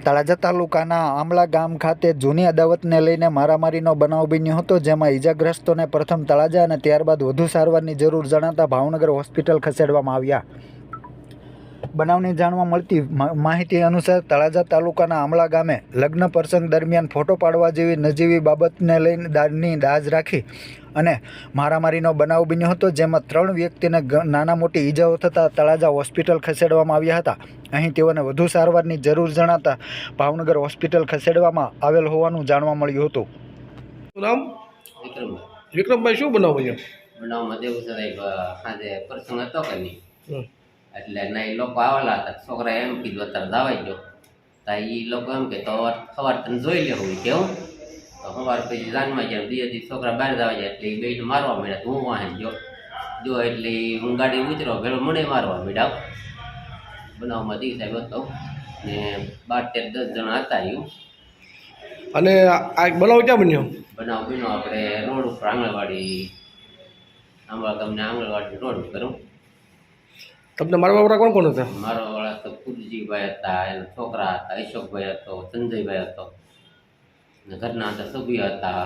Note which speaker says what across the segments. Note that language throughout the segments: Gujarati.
Speaker 1: તળાજા તાલુકાના આંબલા ગામ ખાતે જૂની અદાવતને લઈને મારામારીનો બનાવ બન્યો હતો, જેમાં ઈજાગ્રસ્તોને પ્રથમ તળાજા અને ત્યારબાદ વધુ સારવારની જરૂર જણાતા ભાવનગર હોસ્પિટલ ખસેડવામાં આવ્યા. બનાવની જાણવા મળતી માહિતી અનુસાર તળાજા તાલુકાના આંબલા ગામે લગ્ન પ્રસંગ દરમિયાન ફોટો પાડવા જેવી નજીવી બાબતને લઈને દાજ રાખી અને મારામારીનો બનાવ બન્યો હતો, જેમાં 3 વ્યક્તિને નાના મોટી ઈજાઓ થતાં તળાજા હોસ્પિટલ ખસેડવામાં આવ્યા હતા. અહીં તેઓને વધુ સારવારની જરૂર જણાતા ભાવનગર હોસ્પિટલ ખસેડવામાં આવેલ હોવાનું જાણવા મળ્યું હતું.
Speaker 2: નામ વિક્રમભાઈ, શું બનાવ બન્યો?
Speaker 3: બનાવમાં દેવું છે સાંજે પ્રસંગ હતો કે નહીં, એટલે ના એ લોકો આવેલા હતા. છોકરા એમ કીધું અત્યારે દાવાઈ ગયો, તો એ લોકો એમ કે તો સવાર તને જોઈ લેવું કેવું. તો સવાર પછી જાનમાં જાય, બે છોકરા બહાર દાવા જાય એટલે એ બેને મારવા માંડ્યા. તો હું વાહન જો એટલે હું ગાડી ઉતરો ભેળો મને મારવા માંડ્યા. બનાવમાં દી સાહેબ હતો ને 12-13 જણા હતા. એવું.
Speaker 2: અને આ બનાવ ક્યાં બન્યો?
Speaker 3: બનાવ બન્યો આપણે રોડ ઉપર આંગણવાડી, આંબા ગામને આંગણવાડી રોડ ઉપર.
Speaker 2: તમને મારવા વાળા કોણ કોણ હતા?
Speaker 3: મારો વાળા તો કુલજીભાઈ હતા, એના છોકરા હતા, અશોકભાઈ હતો, સંજયભાઈ હતો, ને ઘરના હતા સભ્ય હતા.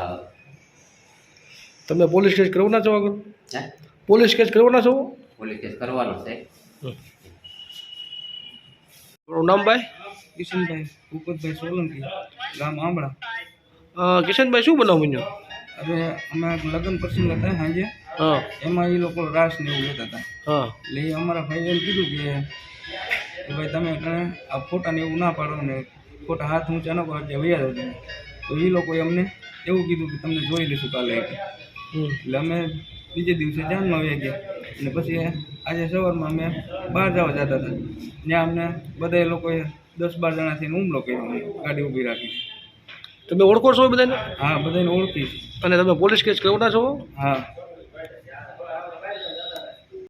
Speaker 2: તમે પોલીસ કેસ કરવાના છો? આગળ
Speaker 3: હે
Speaker 2: પોલીસ કેસ કરવાના છો?
Speaker 3: પોલીસ કેસ કરવાનો છે.
Speaker 2: તમારું નામ ભાઈ?
Speaker 4: કિશનભાઈ ભૂપતભાઈ સોલંકી, ગામ આંબળા.
Speaker 2: કિશનભાઈ, શું બનાવ બન્યો?
Speaker 4: હવે અમે લગ્ન પ્રસંગ હતા સાંજે,
Speaker 2: હા
Speaker 4: એમાં એ લોકો રાસ ને એવું લેતા હતા.
Speaker 2: હા
Speaker 4: એટલે એ અમારા ભાઈએ એમ કીધું કે ભાઈ તમે આ ફોટાને એવું ના પાડો ને ફોટા હાથ ઊંચા ન કરો એટલે વૈયા જાવ તમે. તો એ લોકોએ અમને એવું કીધું કે તમને જોઈ લઈશું કાલે. એટલે અમે બીજે દિવસે જાનમાં આવી ગયા અને પછી આજે સવારમાં અમે બહાર જવા જતા હતા. ત્યાં અમને બધા લોકોએ 10-12 જણાથી હુમલો કર્યો, ગાડી ઊભી રાખી.
Speaker 2: તમે ઓળખો છો બધાને?
Speaker 4: હા, બધાને ઓળખીશ.
Speaker 2: અને તમે પોલીસ કેસ કરવાના છો?
Speaker 4: હા.